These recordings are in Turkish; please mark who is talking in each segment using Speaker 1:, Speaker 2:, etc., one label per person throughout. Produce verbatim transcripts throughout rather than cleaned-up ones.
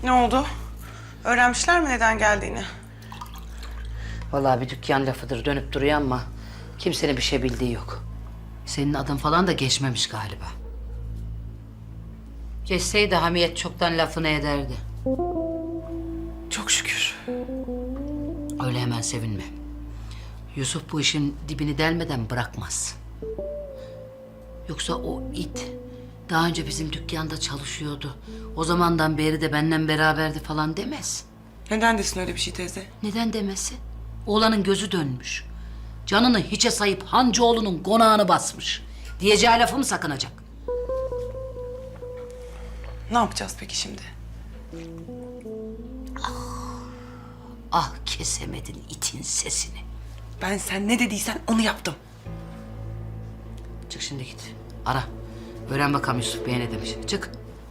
Speaker 1: Ne oldu? Öğrenmişler mi neden geldiğini?
Speaker 2: Vallahi bir dükkan lafıdır dönüp duruyor ama kimsenin bir şey bildiği yok. Senin adın falan da geçmemiş galiba. Geçseydi Hamiyet çoktan lafını ederdi.
Speaker 1: Çok şükür.
Speaker 2: Öyle hemen sevinme. Yusuf bu işin dibini delmeden bırakmaz. Yoksa o it daha önce bizim dükkanda çalışıyordu. O zamandan beri de benden beraberdi falan demez.
Speaker 1: Neden desin öyle bir şey teyze?
Speaker 2: Neden demesi? Oğlanın gözü dönmüş. Canını hiçe sayıp Hancıoğlu'nun konağını basmış. Diyeceği lafı mı sakınacak?
Speaker 1: Ne yapacağız peki şimdi?
Speaker 2: Ah kesemedin itin sesini.
Speaker 1: Ben sen ne dediysen onu yaptım.
Speaker 2: Çık şimdi git. Ara. Öğren bakalım Yusuf Bey ne demiş. Çık.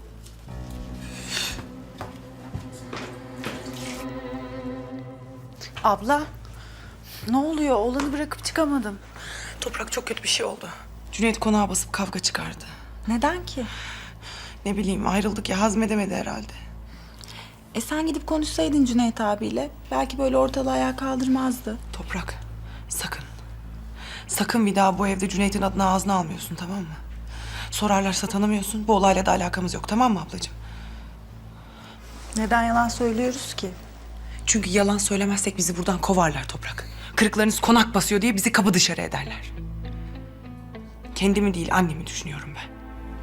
Speaker 3: Abla, ne oluyor? Oğlanı bırakıp çıkamadım.
Speaker 1: Toprak çok kötü bir şey oldu. Cüneyt konağa basıp kavga çıkardı.
Speaker 3: Neden ki?
Speaker 1: Ne bileyim ayrıldık ya hazmedemedi herhalde.
Speaker 3: E sen gidip konuşsaydın Cüneyt abiyle. Belki böyle ortalığı ayağa kaldırmazdı.
Speaker 1: Toprak sakın. Sakın bir daha bu evde Cüneyt'in adını ağzına almıyorsun tamam mı? Sorarlarsa tanımıyorsun. Bu olayla da alakamız yok tamam mı ablacığım?
Speaker 3: Neden yalan söylüyoruz ki?
Speaker 1: Çünkü yalan söylemezsek bizi buradan kovarlar Toprak. Kırıklarınız konak basıyor diye bizi kapı dışarı ederler. Kendimi değil annemi düşünüyorum ben.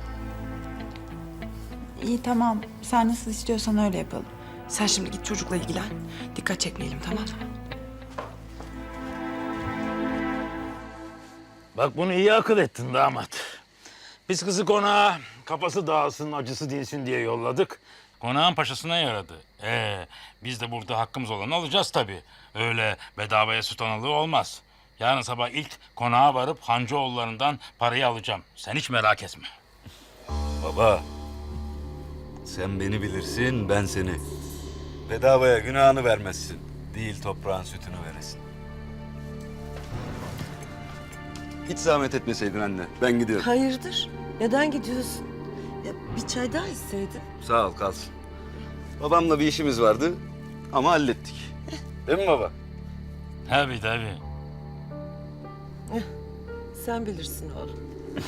Speaker 3: İyi tamam. Sen nasıl istiyorsan öyle yapalım.
Speaker 1: Sen şimdi git çocukla ilgilen. Dikkat çekmeyelim tamam mı?
Speaker 4: Bak bunu iyi akıl ettin damat. Biz kızı konağa kafası dağılsın, acısı dinsin diye yolladık. Konağın paşasına yaradı. Ee, biz de burada hakkımız olanı alacağız tabii. Öyle bedavaya süt analığı olmaz. Yarın sabah ilk konağa varıp Hancıoğullarından parayı alacağım. Sen hiç merak etme.
Speaker 5: Baba, sen beni bilirsin, ben seni. Bedavaya günahını vermezsin. Değil toprağın sütünü veresin. Hiç zahmet etmeseydin anne, ben gidiyorum.
Speaker 6: Hayırdır? Neden gidiyorsun? Ya bir çay daha içseydin.
Speaker 5: Sağ ol, kalsın. Babamla bir işimiz vardı ama hallettik. Değil mi baba?
Speaker 4: Tabii tabii.
Speaker 6: Sen bilirsin oğlum.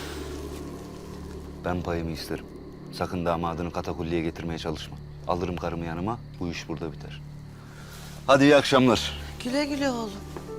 Speaker 5: Ben payımı isterim. Sakın damadını katakulliye getirmeye çalışma. Alırım karımı yanıma, bu iş burada biter. Hadi iyi akşamlar.
Speaker 6: Güle güle oğlum.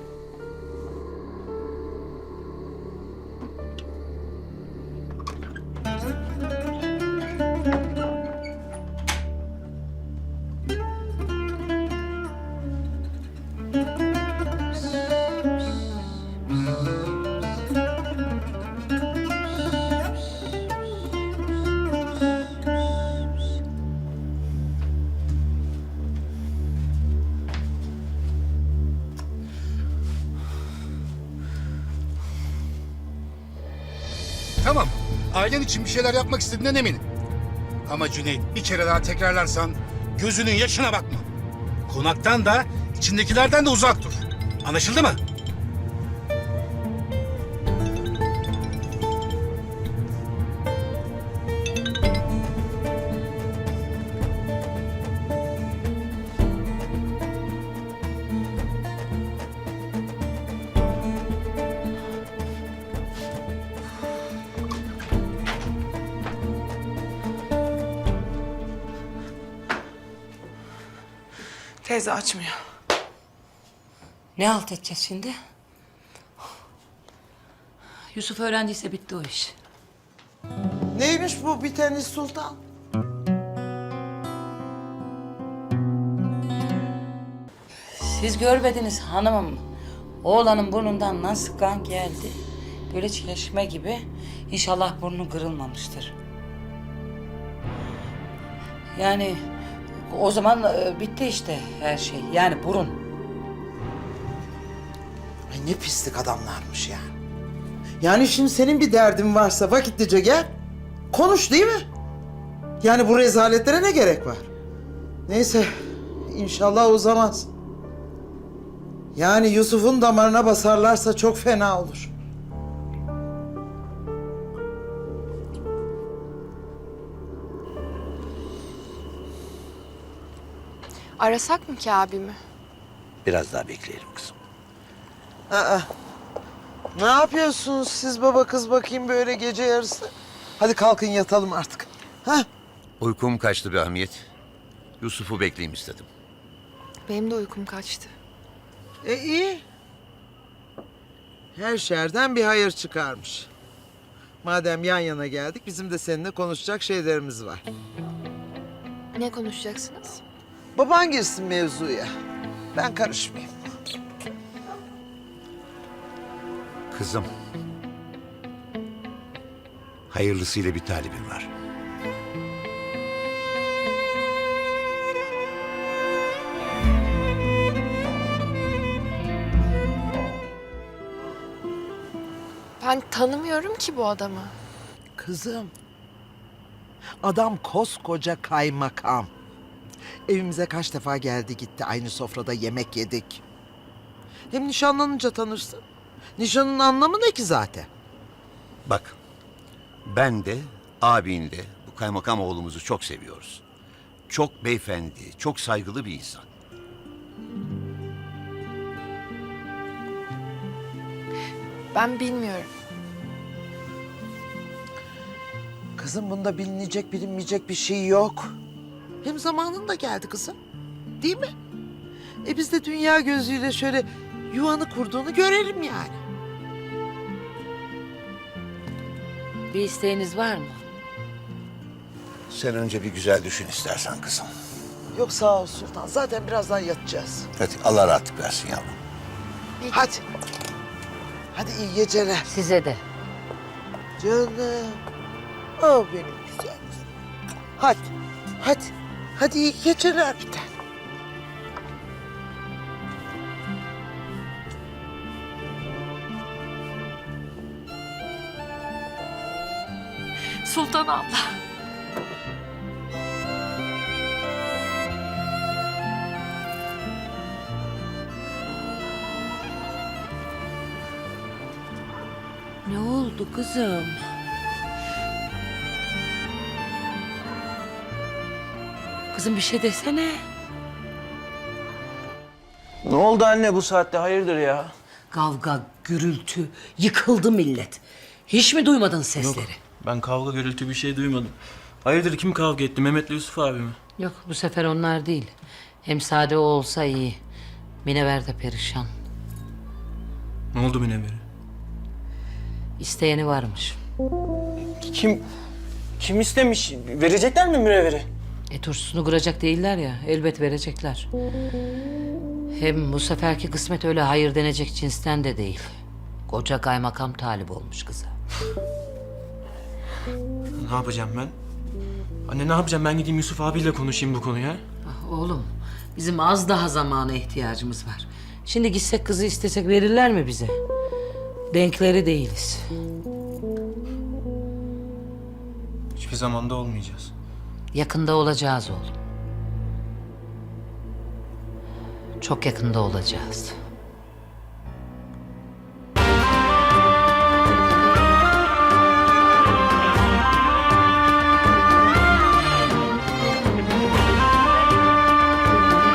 Speaker 7: Tamam, ailen için bir şeyler yapmak istediğinden eminim. Ama Cüneyt bir kere daha tekrarlarsan gözünün yaşına bakma. Konaktan da içindekilerden de uzak dur. Anlaşıldı mı?
Speaker 1: Teyze açmıyor.
Speaker 2: Ne halt edeceğiz şimdi? Yusuf öğrendiyse bitti o iş.
Speaker 8: Neymiş bu biteniz sultan?
Speaker 2: Siz görmediniz hanımım. Oğlanın burnundan nasıl kan geldi? Böyle çeşme gibi. İnşallah burnu kırılmamıştır. Yani o zaman e, bitti işte her şey. Yani burun.
Speaker 8: Ay ne pislik adamlarmış ya. Yani şimdi senin bir derdin varsa vakitlice gel. Konuş değil mi? Yani bu rezaletlere ne gerek var? Neyse inşallah uzamaz. Yani Yusuf'un damarına basarlarsa çok fena olur.
Speaker 9: Arasak mı ki abimi?
Speaker 5: Biraz daha bekleyelim kızım.
Speaker 8: Aa, ne yapıyorsunuz siz baba kız bakayım böyle gece yarısı? Hadi kalkın yatalım artık. Ha?
Speaker 10: Uykum kaçtı be Hamiyet. Yusuf'u bekleyeyim istedim.
Speaker 9: Benim de uykum kaçtı.
Speaker 8: E iyi. Her şerden bir hayır çıkarmış. Madem yan yana geldik bizim de seninle konuşacak şeylerimiz var.
Speaker 9: Ne konuşacaksınız?
Speaker 8: Baban girsin mevzuya. Ben karışmayayım.
Speaker 10: Kızım. Hayırlısıyla bir talibim var.
Speaker 9: Ben tanımıyorum ki bu adamı.
Speaker 8: Kızım. Adam koskoca kaymakam. Evimize kaç defa geldi gitti. Aynı sofrada yemek yedik. Hem nişanlanınca tanırsın. Nişanın anlamı ne ki zaten?
Speaker 10: Bak. Ben de abin de bu kaymakam oğlumuzu çok seviyoruz. Çok beyefendi, çok saygılı bir insan.
Speaker 9: Ben bilmiyorum.
Speaker 8: Kızım bunda bilinecek bilinmeyecek bir şey yok. Hem zamanında geldi kızım. Değil mi? E biz de dünya gözüyle şöyle yuvanı kurduğunu görelim yani.
Speaker 2: Bir isteğiniz var mı?
Speaker 10: Sen önce bir güzel düşün istersen kızım.
Speaker 8: Yok sağ ol Sultan. Zaten birazdan yatacağız.
Speaker 10: Hadi Allah rahatlık versin yavrum.
Speaker 8: Hadi. Hadi iyi geceler.
Speaker 2: Size de.
Speaker 8: Canım. Oh benim güzel kızım. Hadi. Hadi. Hadi iyi geceler bir tane.
Speaker 9: Sultan abla.
Speaker 2: Ne oldu kızım? Kızım bir şey desene.
Speaker 11: Ne oldu anne bu saatte hayırdır ya?
Speaker 2: Kavga, gürültü, yıkıldı millet. Hiç mi duymadın sesleri?
Speaker 11: Ben kavga gürültü bir şey duymadım. Hayırdır kim kavga etti? Mehmet'le Yusuf abi mi?
Speaker 2: Yok bu sefer onlar değil. Hem sade o olsa iyi. Minever de perişan.
Speaker 11: Ne oldu Münevver'e?
Speaker 2: İsteyeni varmış.
Speaker 11: Kim kim istemiş? Verecekler mi münevveri?
Speaker 2: E turşusunu kıracak değiller ya. Elbet verecekler. Hem bu seferki kısmet öyle hayır denecek cinsten de değil. Koca kaymakam talip olmuş kıza.
Speaker 11: Ne yapacağım ben? Anne ne yapacağım? Ben gideyim Yusuf abiyle konuşayım bu konuya.
Speaker 2: Ah, oğlum bizim az daha zamana ihtiyacımız var. Şimdi gitsek kızı istesek verirler mi bize? Denkleri değiliz.
Speaker 11: Hiçbir zamanda olmayacağız.
Speaker 2: Yakında olacağız oğlum. Çok yakında olacağız.